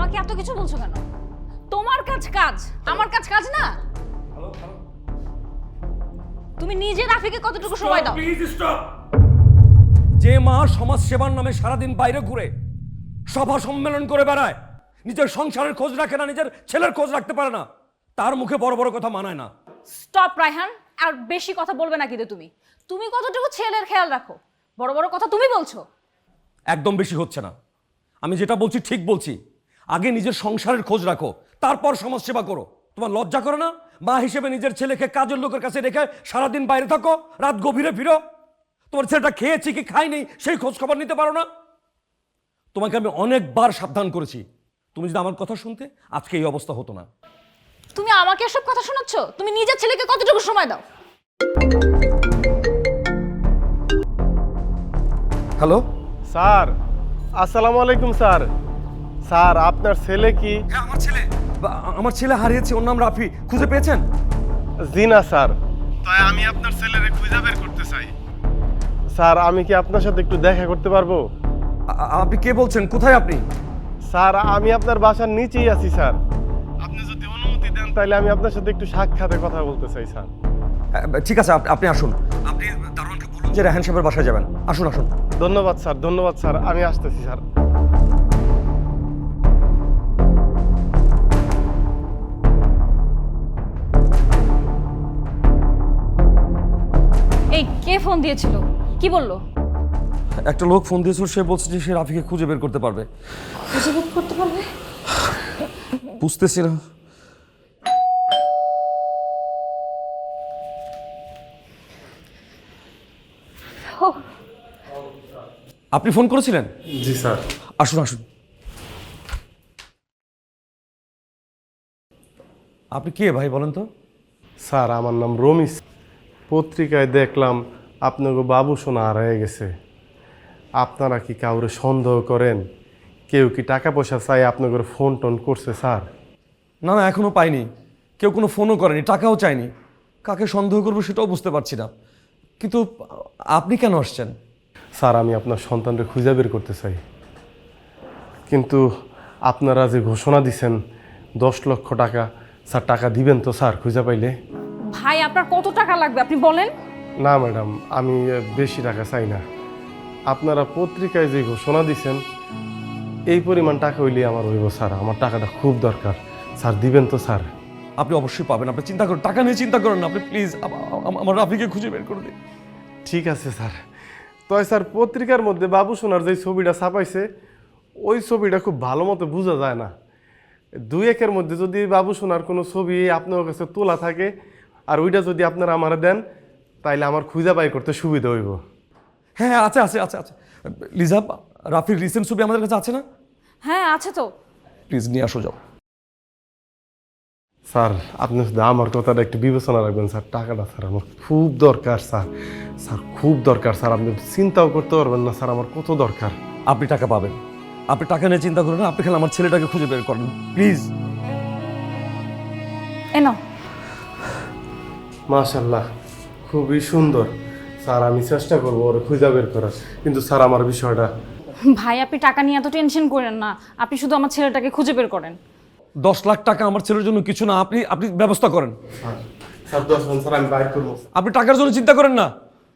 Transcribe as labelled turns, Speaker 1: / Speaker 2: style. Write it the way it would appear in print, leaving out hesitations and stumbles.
Speaker 1: আমাকে এত কিছু বলছো কেন? তোমার কাজ কাজ, আমার কাজ কাজ না। তুমি নিজে রাফিকে কতটুকু সময় দাও?
Speaker 2: Please stop. যে মা সমাজ সেবার নামে সারাদিন বাইরে ঘুরে সভা সম্মেলন করে বেড়ায়, নিজের সংসারের খোঁজ রাখে না, নিজের ছেলের খোঁজ রাখতে পারে না, তার মুখে বড় বড় কথা মানায় না।
Speaker 1: স্টপ রায়হান, আর বেশি কথা বলবে না কিন্তু তুমি। তুমি কতটুকু ছেলের খেয়াল রাখো? বড় বড় কথা তুমি বলছো।
Speaker 2: একদম বেশি হচ্ছে না। আমি যেটা বলছি ঠিক বলছি। আগে নিজের সংসারের খোঁজ রাখো, তারপর সমাজ সেবা করো। তোমার লজ্জা করে না? মা হিসেবে নিজের ছেলেকে কাজের লোকের কাছে রেখে সারাদিন বাইরে থাকো, রাত গভীরে ফিরো। তোমার ছেলেটা খেয়েছি কি খায়নি সেই খোঁজ খবর নিতে পারো না? তোমাকে আমি অনেকবার সাবধান করেছি, তুমি যদি আমার কথা শুনতে আজকে এই অবস্থা হতো না।
Speaker 1: তুমি আমাকে এসব কথা শোনাচ্ছ? তুমি নিজের ছেলেকে কতটুকু সময় দাও?
Speaker 2: হ্যালো
Speaker 3: স্যার, আসসালামু আলাইকুম স্যার। স্যার, আপনার ছেলে কি?
Speaker 2: হ্যাঁ, আমার ছেলে হারিয়েছে, ওর নাম রাফি। খুঁজে পেয়েছেন?
Speaker 3: জি না স্যার। তাই আমি আপনার ছেলেরে খুঁজে বের করতে চাই। স্যার, আমি কি আপনার সাথে একটু দেখা করতে পারবো?
Speaker 2: আপনি কে বলছেন? কোথায় আপনি?
Speaker 3: স্যার, আমি আপনার বাসার নিচেই আছি স্যার। আপনি যদি অনুমতি দেন তাহলে আমি আপনার সাথে একটু সাক্ষাতে কথা বলতে চাই স্যার।
Speaker 2: ঠিক আছে, আপনি আসুন। আপনি দারোয়ানকে বলুন যে রেহান সাহেবের বাসায় যাবেন। আসুন আসুন।
Speaker 3: ধন্যবাদ স্যার, ধন্যবাদ স্যার, আমি আসতেছি স্যার।
Speaker 1: এই কে ফোন দিয়েছিল? কি বললো?
Speaker 2: একটা লোক ফোন দিয়েছিল, সে বলছে যে সে রাফিকে খুঁজে বের করতে পারবে।
Speaker 1: খুঁজে বের করতে পারবে?
Speaker 2: বুঝতেছি না। আপনি ফোন করেছিলেন?
Speaker 3: জি স্যার।
Speaker 2: আসুন আসুন। আপনি কে ভাই বলেন তো?
Speaker 3: স্যার, আমার নাম রমিস। পত্রিকায় দেখলাম আপনাকে বাবু সোনা হারিয়ে গেছে। আপনারা কি কাউরে সন্দেহ করেন? কেউ কি টাকা পয়সা চাই আপনাকে ফোন টোন করছে স্যার?
Speaker 2: না না, এখনো পাইনি। কেউ কোনো ফোনও করেনি, টাকাও চায়নি। কাকে সন্দেহ করবো সেটাও বুঝতে পারছি না। কিন্তু আপনি কেন আসছেন?
Speaker 3: স্যার, আমি আপনার সন্তানকে খুঁজে বের করতে চাই। কিন্তু আপনারা যে ঘোষণা দিছেন 10 লক্ষ টাকা, স্যার টাকা দিবেন তো স্যার খুঁজে পাইলে?
Speaker 1: ভাই, আপনার কত টাকা লাগবে আপনি বলেন?
Speaker 3: না ম্যাডাম, আমি বেশি টাকা চাই না। আপনারা পত্রিকায় যে ঘোষণা দিছেন এই পরিমাণ টাকা হইলে আমার হইব স্যার। আমার টাকাটা খুব দরকার স্যার, দিবেন তো স্যার?
Speaker 2: আপনি অবশ্যই পাবেন, আপনি চিন্তা করেন, টাকা নিয়ে চিন্তা করেন না। আপনি প্লিজ আমার রাফিকে খুঁজে বের করে দিন।
Speaker 3: ঠিক আছে স্যার। তয় স্যার, পত্রিকার মধ্যে বাবু সোনার যে ছবিটা ছাপাইছে ওই ছবিটা খুব ভালো মতো বোঝা যায় না। 2-1-এর মধ্যে যদি বাবু সোনার কোনো ছবি আপনার কাছে তোলা থাকে আর ওইটা যদি আপনারা আমার দেন তাইলে আমার খুঁজে বাই করতে সুবিধা হইব।
Speaker 2: হ্যাঁ হ্যাঁ, আছে আছে আছে আছে। লিজা, রাফির রিসেন্ট ছবি আমাদের কাছে আছে না?
Speaker 1: হ্যাঁ আছে তো।
Speaker 2: প্লিজ নিয়ে আসো, যাও।
Speaker 3: স্যার, আপনি শুধু আমার কথাটা একটু বিবেচনা রাখবেন স্যার। টাকাটা স্যার আমার খুব দরকার স্যার। স্যার খুব দরকার স্যার, আপনি চিন্তাও করতে পারবেন না স্যার আমার কত দরকার।
Speaker 2: আপনি টাকা পাবেন, আপনি টাকা নিয়ে চিন্তা করেন না। আপনি খালি আমার ছেলেটাকে খুঁজে বের করেন প্লিজ।
Speaker 1: এনো।
Speaker 3: মাশাআল্লাহ, খুবই সুন্দর স্যার। আমি চেষ্টা করবো ওর খুঁজে বের করার। কিন্তু স্যার আমার বিষয়টা।
Speaker 1: ভাই, আপনি টাকা নিয়ে এত টেনশন করেন না। আপনি শুধু আমার ছেলেটাকে খুঁজে বের করেন।
Speaker 2: 10 লাখ টাকা আমার ছেলের জন্য কিছু না। আপনি ব্যবস্থা করেন।
Speaker 3: স্যার 10 স্যার আমি বাইর করবো।
Speaker 2: আপনি টাকার জন্য চিন্তা করেন না।